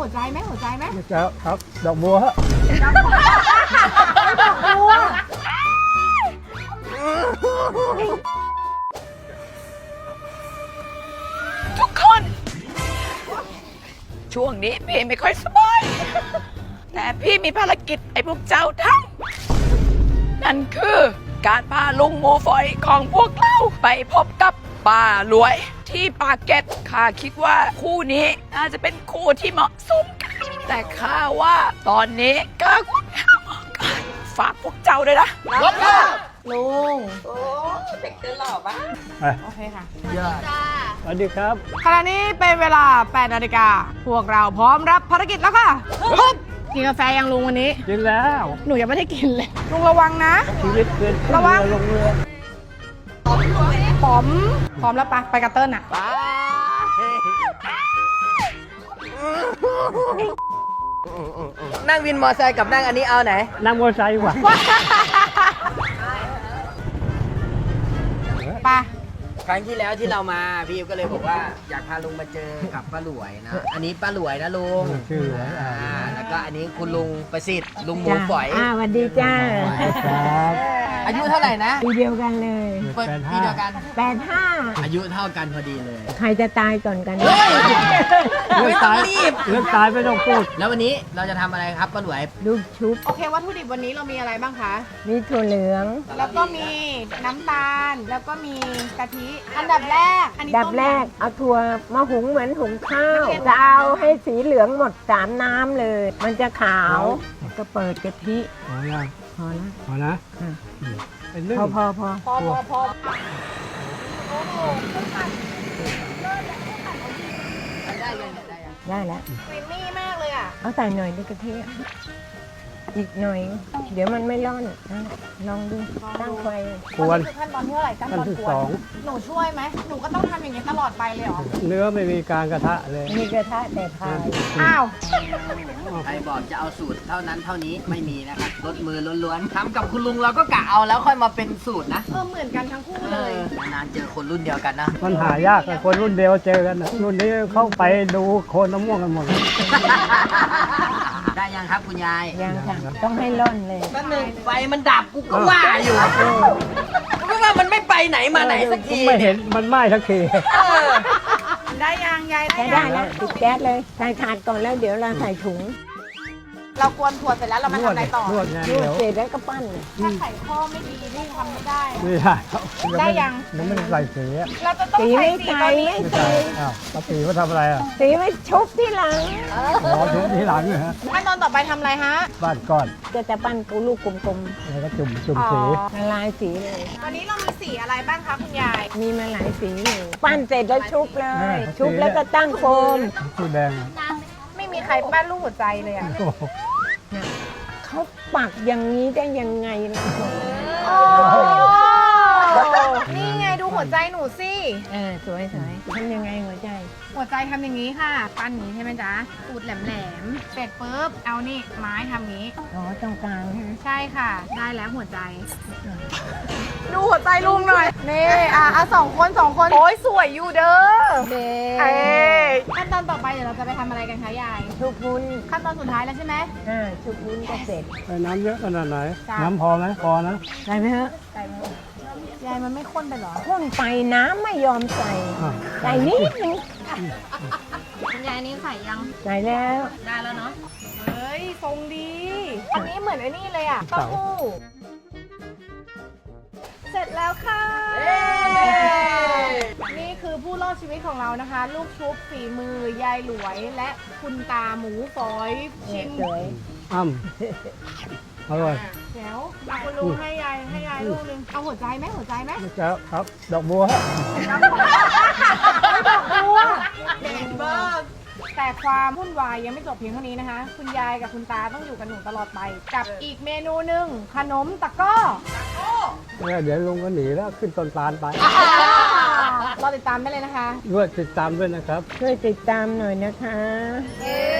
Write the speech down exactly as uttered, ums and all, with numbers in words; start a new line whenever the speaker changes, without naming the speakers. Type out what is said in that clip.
หัวใจไหมหัวใจไหม
ไม่จะครับดอกบัวฮะ
ดอกบัว
ทุกคน ช่วงนี้พี่ไม่ค่อยสบาย แต่พี่มีภารกิจไอ้พวกเจ้าทำนั่นคือการพาลุงหมูฝอยของพวกเราไปพบกับป้ารวยที่ปากเกร็ดข้าคิดว่าคู่นี้น่าจะเป็นคู่ที่เหมาะสมกันแต่ข้าว่าตอนนี้ก็ควรหาหมอกันฝากพวกเจ้าด้วยนะ
รับค่ะลุง
โอ้เด็กเดินหล่อปะ
ไป
โอเคค่ะ
สวัสดีครับ
ขณะนี้เป็นเวลาแปดนาฬิกาพวกเราพร้อมรับภารกิจแล้วค่ะฮึบกินกาแฟยังลุงวันนี้
กินแล้ว
หนูยังไม่ได้กินเลยลุงระวังนะ
ชีวิตเกินขึ้น
ระวัง
เรือลงเรือ
พร้อมพร้อมแล้วปะไปกับเติ้ลน่ะ
นั่งวินมอเตอร์ไซค์กับนั่งอันนี้เอาไหน
นั่งมอเตอร์ไซค์ดีกว่า
ไป
ครั้งที่แล้วที่เรามาพี่ก็เลยบอกว่าอยากพาลุงมาเจอกับป้าหลวยนะ อันนี้ป้าหลวยนะลุง
ชื่ออะไร
อ่า
อ่า
แล้วก็อันนี้คุณลุงประสิทธิ์ลุงหมูฝอย
อ่าสวัสดีจ้า
ครับ
อายุเท่าไหร่นะ
ปีเดียวกันเลย
เปิด
แปด
ปี
ห้า
เดียวกัน
แปดห้า
อายุเท่ากันพอดีเลย
ใครจะตายก่อนกัน
ไม่ต้องรีบ
เรื่องตายไม่ต้องพูด
แล้ววันนี้เราจะทำอะไรครับป้าหลวย
ลูกชุบ
โอเควัตถุดิบวันนี้เรามีอะไรบ้างคะ
มีถั่วเหลือง
แล้วก็มีน้ำตาล แล้วก็มีกะทิ อันดับแรก อันนี้
ดับ
ต้ม
แรก
ย
เอาถั่วมาหุงเหมือนหุงข้าว จะเอาให้สีเหลืองหมดสามน้ำเลย มันจะขาวแล้วก็เปิดกะทิ
พอยัง
พอแล้ว
พอนะ
ค่ะ
อืมเป็นเรื่อง
พอพอพอ
ำพอพอพอ
ได้ยังได้ยัง
ได้แล้ว
ครีมมี่มากเลยอ่ะ
เอาใส่หน่อยดิกะทิอีกหน่อย เดี๋ยวมันไม่ร่อนนะลองดูตั้งไฟ
ควร
นี่คือขั้นตอนที่เท่าไหร่ขั้นตอน
ขั้นที่
กว
สอน ง
หนูช่วยไหม หนูก็ต้องทำอย่างนี้ตลอดไปเลยเหรอ
เนื้อไม่มีการกระทะเลย
มีกระทะแต่พาย
อ้าว
ใครบอกจะเอาสูตรเท่านั้นเท่านี้ไม่มีนะครับลดมือล้วนๆทำกับคุณลุงเราก็กะเอาแล้วค่อยมาเป็นสูตรนะ
เออเหมือนกันทั้งคู่เลย
นานๆเจอคนรุ่นเดียวกันนะ
มันหายากอะคนรุ่นเดียวเจอกันนะรุ่นนี้เข้าไปดูโคนมะม่วงกันหมดเลย
ได้ยังครับคุณยาย
ยังค่ะต้องให้ร่อนเลย
แป๊บนึงไฟมันดับกูก็ว่าอยู่เพราะว่ามันไม่ไปไหนมาไหนสักที
ไม่เห็นมันไหม้ทักที
เออ
ได้ยังยาย
ใช้
ได้
ได้
ยัง
แล้วปิดแก๊สเลยใส่ถาดก่อนแล้วเดี๋ยวเราใส่ถุง
เรากวนถั่วเสร็จแล้วเรามาน
วด
ทำอะไรต่อน
วดไง
นว
เดี๋
ด
ยว
เสร็จแล้วก็ปั้นเลย
ถ้าไข่ข้อไม่ดีนี่ทำไม่ได้
ไม่ได้ครับ
ได้ยัง
ยังไม่ได้ใส่สีอะ
เราจะต้อง
สี
ใส่
ไม่
สี
ใส่
ตัวนี้
ไม่
ไม่
ใส่
ใส่อ้าวปกติเขาทำอะไรอ่ะ
สีไม่ชุบที่หลัง
รอถึงทีหลังเลยฮะ
ขั้นตอนต่อไปทำอะไรฮะ
บ้านก้อน
ก็จะปั้นกูลูกกลม
แล้วก็จุ่มจุ่ม
อ๋อ
สี
ๆละลายสีเลย
ตอนนี้เรามีสีอะไรบ้างคะคุณยาย
มีมาหลายสีเลยปั้นเสร็จแล้วชุบเลย ชุบแล้วก็ตั้งโฟม
สีแดงอะ
ไม่มีใครปั้นรูปหัวใจเลยอ่ะ
โอ้โห
เขาปักอย่างนี้ได้ยังไงล่ะ
โอ้นี่ไงดูหัวใจหนูสิ
เออสวยสวยทำยังไงหัวใจ
หัวใจทำอย่างนี้ค่ะ ปั้นอย่างนี้ใช่ไหมจ๊ะปูดแหลมๆ เสร็จปุ๊บ เอานี่ไม้ทำอย่างนี้
อ๋อตรงกลางใช่ไหม
ใช่ค่ะ ได้แล้วหัวใจ ดูหัวใจลุงหน่อย นี่อ่ะอ่ะสองคนสองคน โอ้ยสวยอยู่เด้อ
เด็
เอ้ยขั้นตอนต่อไปเดี๋ยวเราจะไปทำอะไรกันคะยาย
ชุบวุ้น
ขั้นตอนสุดท้ายแล้วใช่ไหม
อ่าชุบวุ้นก็เสร็จ
ใส่น้ำเยอะขนาดไหน
จ้ะ
น้ำพอไหมพอนะ
ใส่ไหมฮะ
ใส่ไหมยายมันไม่ข้นไปเหรอ
ข้นไปน้ำไม่ยอมใส่
อ่ะ
ใส่นิดนึง
คุณยายนี่ใส่ยัง
ใส่แล้ว
ได้แล้วเนาะ เฮ้ย ทรงดี อันนี้เหมือนไอ้นี่เลยอ่ะเต้าหู้เสร็จแล้วค่ะ นี่คือผู้รอดชีวิตของเรานะคะ ลูกชุบฝีมือยายหลวยและคุณตาหมูฝอยชิม
สวย
อ้ำอร่อย
เดี๋ยวเอาคุณลุงให้ยายให้ยายลูกนึง เอาหัวใจไหมหัวใจไหม
ไม่จะครับ ดอกบัวฮะ
ดอกบัวเด่นเบิร์กแต่ความวุ่นวายยังไม่จบเพียงเท่านี้นะคะ คุณยายกับคุณตาต้องอยู่กับหนูตลอดไป กับอีกเมนูหนึ่งขนมตะกร้อ
เนี่ยเดี๋ยวลุงก็หนีแล้วขึ้นต้นตาลไป
รอติดตามได้เลยนะคะ
ด้วยติดตามด้วยนะครับ
ช่วยติดตามหน่อยนะคะ
เย้